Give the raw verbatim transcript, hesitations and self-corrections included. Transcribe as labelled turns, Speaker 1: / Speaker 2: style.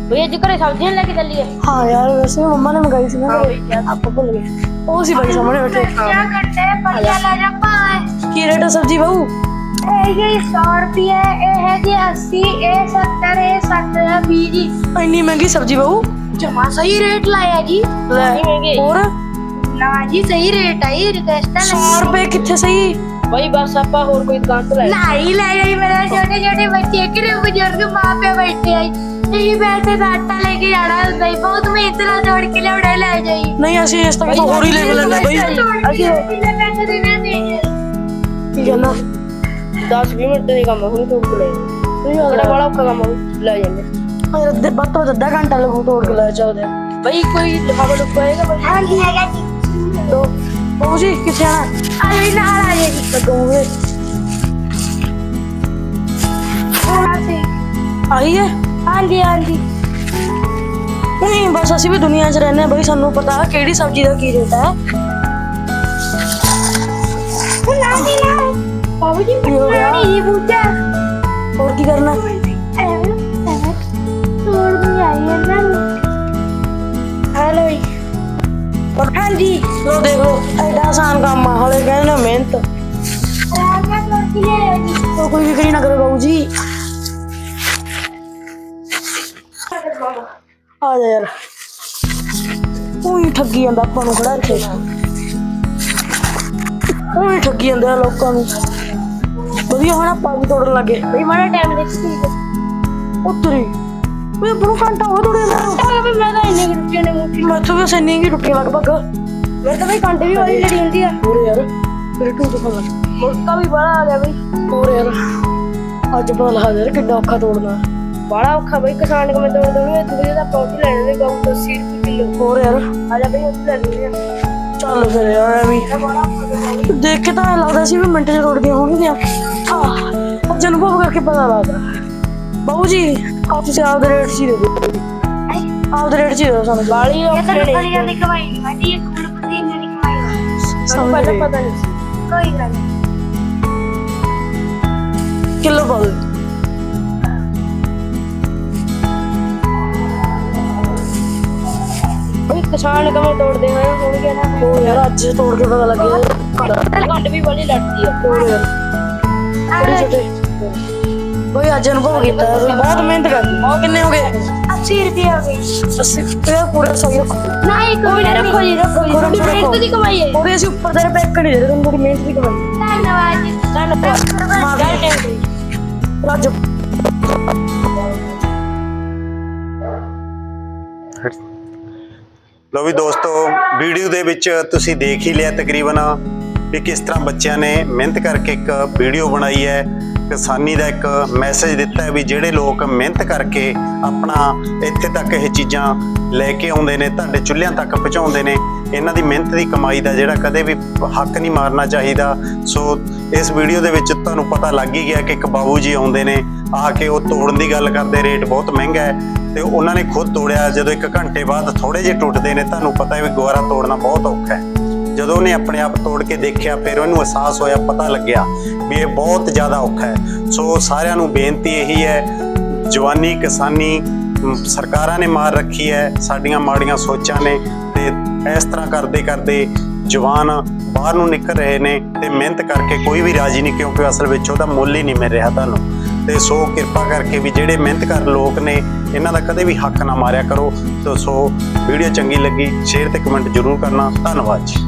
Speaker 1: भैया जी घरे सब्जियां लेके चलिए।
Speaker 2: हाँ यार वैसे मम्मा ने मंगाई थी ना आपको भूल गए। वो सी भाई सामने बैठे।
Speaker 1: क्या करते हैं बढ़िया ला जा पाए।
Speaker 2: की रेट है सब्जी बहू?
Speaker 1: ये सौ रुपये ए है जी अस्सी ए सत्तर ए सत्तर बीस जी।
Speaker 2: इतनी महंगी सब्जी बहू?
Speaker 1: जमा सही रेट लाया जी।
Speaker 2: और
Speaker 1: ना जी सही रेट है रिक्वेस्ट
Speaker 2: सौ रुपए कितने सही
Speaker 1: भाई बस आपा और कोई दुकान तो नहीं ले गई। मेरे छोटे छोटे बच्चे के बुजुर्ग माँ पे बैठे आई यही पैसे का आटा लेके जाना है बहुत मेहनत ना जोड़ के ले उड़ा ले जाई।
Speaker 2: नहीं ऐसे इस तक तो और ही ले लेना भाई।
Speaker 1: पैसे देने देंगे
Speaker 2: ठीक है ना
Speaker 1: दस बीस मिनट का काम हम तोड़ के ले बड़ा बड़ा का काम ले जाएंगे।
Speaker 2: अरे दे बात तो आधा घंटा लगू तोड़ के ले जाओ दे
Speaker 1: भाई कोई लिफाफा लुफा आएगा भाई? हां जी आएगा जी।
Speaker 2: तो बहू जी किथे आना?
Speaker 1: अरे ना आ जाएगी
Speaker 2: तो दूंगे आई है।
Speaker 1: हां जी हां जी
Speaker 2: नहीं बस ਅਸੀਂ ਵੀ ਦੁਨੀਆ 'ਚ ਰਹਿੰਦੇ ਹਾਂ ਬਈ ਸਾਨੂੰ ਪਤਾ ਕਿਹੜੀ ਸਬਜ਼ੀ ਦਾ ਕੀ ਰੇਟ ਹੈ।
Speaker 1: ना जी ना बाबू जी नहीं ये पूछा
Speaker 2: और की करना
Speaker 1: तोड़ दी आई है ना। हेलो
Speaker 2: हाँ जी लो देख लो एडा आसान काम है हले कहने मेहनत तो कोई फिक्र ना करो बाबू जी। आ जा यार ਉਹੀ ਠੱਗੀ ਜਾਂਦਾ ਆਪਾਂ ਨੂੰ ਖੜਾ ਇੱਥੇ ਉਹੀ ਠੱਗੀ ਜਾਂਦਾ ਲੋਕਾਂ ਨੂੰ ਵਧੀਆ ਹੁਣ ਆਪਾਂ ਵੀ ਤੋੜਨ ਲੱਗੇ
Speaker 1: भाई मारा टाइम देखी
Speaker 2: ਉੱਤਰੀ ਉਹ ਬੜਾ ਘੰਟਾ ਹੋ ਤੋੜੇ ਨਾ
Speaker 1: अरे मैं तो इन्ने रुपये ने मुट्ठी
Speaker 2: ਮੈਥੋਂ ਵੀ ਸੈਨੀ ਕੀ ਟੁੱਟੀਆਂ ਲਗਭਗ
Speaker 1: मेरे तो भाई कांटे भी वाली लड़ी होती है।
Speaker 2: ਹੋਰ ਯਾਰ ਮੇਰੇ ਟੂ ਤੋਂ ਫਲ
Speaker 1: मुर्गा भी बड़ा आ गया भाई।
Speaker 2: ਹੋਰ ਯਾਰ ਅੱਜ ਪਤਾ ਲੱਗਾ ਯਾਰ ਕਿੰਨਾ ਔਖਾ ਤੋੜਨਾ
Speaker 1: बड़ा औखा भाई किसान को मैं तोड़ दूंगा तू मुझे पौधी लेने दे गाँव तो अस्सी रुपये किलो।
Speaker 2: ਹੋਰ ਯਾਰ
Speaker 1: आजा भाई उससे ले लेंगे।
Speaker 2: ਚੱਲ ਫਿਰ ਯਾਰ ਐਵੇਂ ਦੇਖ ਕੇ ਤਾਂ ਐਂ ਲੱਗਦਾ ਸੀ ਵੀ ਮਿੰਟ 'ਚ ਤੋੜਦੀਆਂ ਹੋਣਗੀਆਂ ਆਹ ਅੱਜ ਅਨੁਭਵ ਕਰਕੇ ਪਤਾ ਲੱਗਦਾ। ਬਾਬੂ ਜੀ ਆਪ ਤੁਸੀਂ ਆਪਦੇ ਰੇਟ 'ਚ ਹੀ ਦੇ ਦਿਓ ਆਪਦੇ ਰੇਟ 'ਚ ਹੀ ਦਿਓ ਸਾਨੂੰ
Speaker 1: बाली
Speaker 2: बाली
Speaker 1: औखे ने नहीं कमाई नहीं भाई एक कुल पति ने नहीं कमाई
Speaker 2: समझ
Speaker 1: पता
Speaker 2: गई।
Speaker 1: पता नहीं कोई गल
Speaker 2: किलो पा दो
Speaker 1: भाई किसान का मैं तोड़ दे मैं हो गया ना।
Speaker 2: ओ यार आज तोड़ के पता लग गया
Speaker 1: कांटे भी वाली लड़ती है।
Speaker 2: और यार बड़े छोटे भाई आज अनुभव किया बहुत मेहनत कर कितने हो गए?
Speaker 1: अस्सी रुपये हो गई।
Speaker 2: अस्सी रुपये पूरा सही रखो
Speaker 1: नहीं कोई नहीं रखो जी रखो जी थोड़ी मेहनत की कमाई है।
Speaker 2: और ऐसे ऊपर तेरे पैक कर दे रहे तुम थोड़ी मेहनत भी कमाई
Speaker 1: धन्यवाद जी धन्यवाद।
Speaker 2: राजू
Speaker 3: ਲੋ ਵੀ ਦੋਸਤੋ ਵੀਡੀਓ ਦੇ ਵਿੱਚ ਤੁਸੀਂ ਦੇਖ ਹੀ ਲਿਆ ਤਕਰੀਬਨ ਵੀ ਕਿਸ ਤਰ੍ਹਾਂ ਬੱਚਿਆਂ ਨੇ ਮਿਹਨਤ ਕਰਕੇ ਇੱਕ ਵੀਡੀਓ ਬਣਾਈ ਹੈ ਕਿਸਾਨੀ ਦਾ ਇੱਕ ਮੈਸੇਜ ਦਿੱਤਾ ਹੈ ਵੀ ਜਿਹੜੇ ਲੋਕ ਮਿਹਨਤ ਕਰਕੇ ਆਪਣਾ ਇੱਥੇ ਤੱਕ ਇਹ ਚੀਜ਼ਾਂ ਲੈ ਕੇ ਆਉਂਦੇ ਨੇ ਤੁਹਾਡੇ ਚੁੱਲ੍ਹਿਆਂ ਤੱਕ ਪਹੁੰਚਾਉਂਦੇ ਨੇ ਇਹਨਾਂ ਦੀ ਮਿਹਨਤ ਦੀ ਕਮਾਈ ਦਾ ਜਿਹੜਾ ਕਦੇ ਵੀ ਹੱਕ ਨਹੀਂ ਮਾਰਨਾ ਚਾਹੀਦਾ। ਸੋ ਇਸ ਵੀਡੀਓ ਦੇ ਵਿੱਚ ਤੁਹਾਨੂੰ ਪਤਾ ਲੱਗ ਹੀ ਗਿਆ ਕਿ ਇੱਕ ਬਾਬੂ ਜੀ ਆਉਂਦੇ ਨੇ ਆ ਕੇ ਉਹ ਤੋੜਨ ਦੀ ਗੱਲ ਕਰਦੇ ਰੇਟ ਬਹੁਤ ਮਹਿੰਗਾ ਹੈ ਤੇ ਉਹਨਾਂ ਨੇ ਖੁਦ ਤੋੜਿਆ ਜਦੋਂ ਇੱਕ ਘੰਟੇ ਬਾਅਦ ਥੋੜੇ ਜਿਹੇ ਟੁੱਟਦੇ ਨੇ ਤੁਹਾਨੂੰ ਪਤਾ ਹੈ ਵੀ ਗੁਆਰਾ ਤੋੜਨਾ ਬਹੁਤ ਔਖਾ ਹੈ। ਜਦੋਂ ਉਹਨੇ ਆਪਣੇ ਆਪ ਤੋੜ ਕੇ ਦੇਖਿਆ ਫਿਰ ਉਹਨੂੰ ਅਹਿਸਾਸ ਹੋਇਆ ਪਤਾ ਲੱਗਿਆ ਵੀ ਇਹ ਬਹੁਤ ਜ਼ਿਆਦਾ ਔਖਾ ਹੈ। ਸੋ ਸਾਰਿਆਂ ਨੂੰ ਬੇਨਤੀ ਇਹੀ ਹੈ ਜਵਾਨੀ ਕਿਸਾਨੀ ਸਰਕਾਰਾਂ ਨੇ ਮਾਰ ਰੱਖੀ ਹੈ ਸਾਡੀਆਂ ਮਾੜੀਆਂ ਸੋਚਾਂ ਨੇ ਤੇ ਇਸ ਤਰ੍ਹਾਂ ਕਰਦੇ ਕਰਦੇ ਜਵਾਨ ਬਾਹਰ ਨੂੰ ਨਿਕਲ ਰਹੇ ਨੇ ਤੇ ਮਿਹਨਤ ਕਰਕੇ ਕੋਈ ਵੀ ਰਾਜੀ ਨਹੀਂ ਕਿਉਂਕਿ ਅਸਲ ਵਿੱਚ ਉਹਦਾ ਮੁੱਲ ਹੀ ਨਹੀਂ ਮਿਲ ਰਿਹਾ ਤੁਹਾਨੂੰ। ਤੇ ਸੋ ਕਿਰਪਾ ਕਰਕੇ ਵੀ ਜਿਹੜੇ ਮਿਹਨਤ ਕਰ ਲੋਕ ਨੇ ਇਹਨਾਂ ਦਾ ਕਦੇ ਵੀ ਹੱਕ ਨਾ ਮਾਰਿਆ ਕਰੋ। ਤੇ ਸੋ ਵੀਡੀਓ ਚੰਗੀ ਲੱਗੀ ਸ਼ੇਅਰ ਤੇ ਕਮੈਂਟ ਜ਼ਰੂਰ ਕਰਨਾ। ਧੰਨਵਾਦ ਜੀ।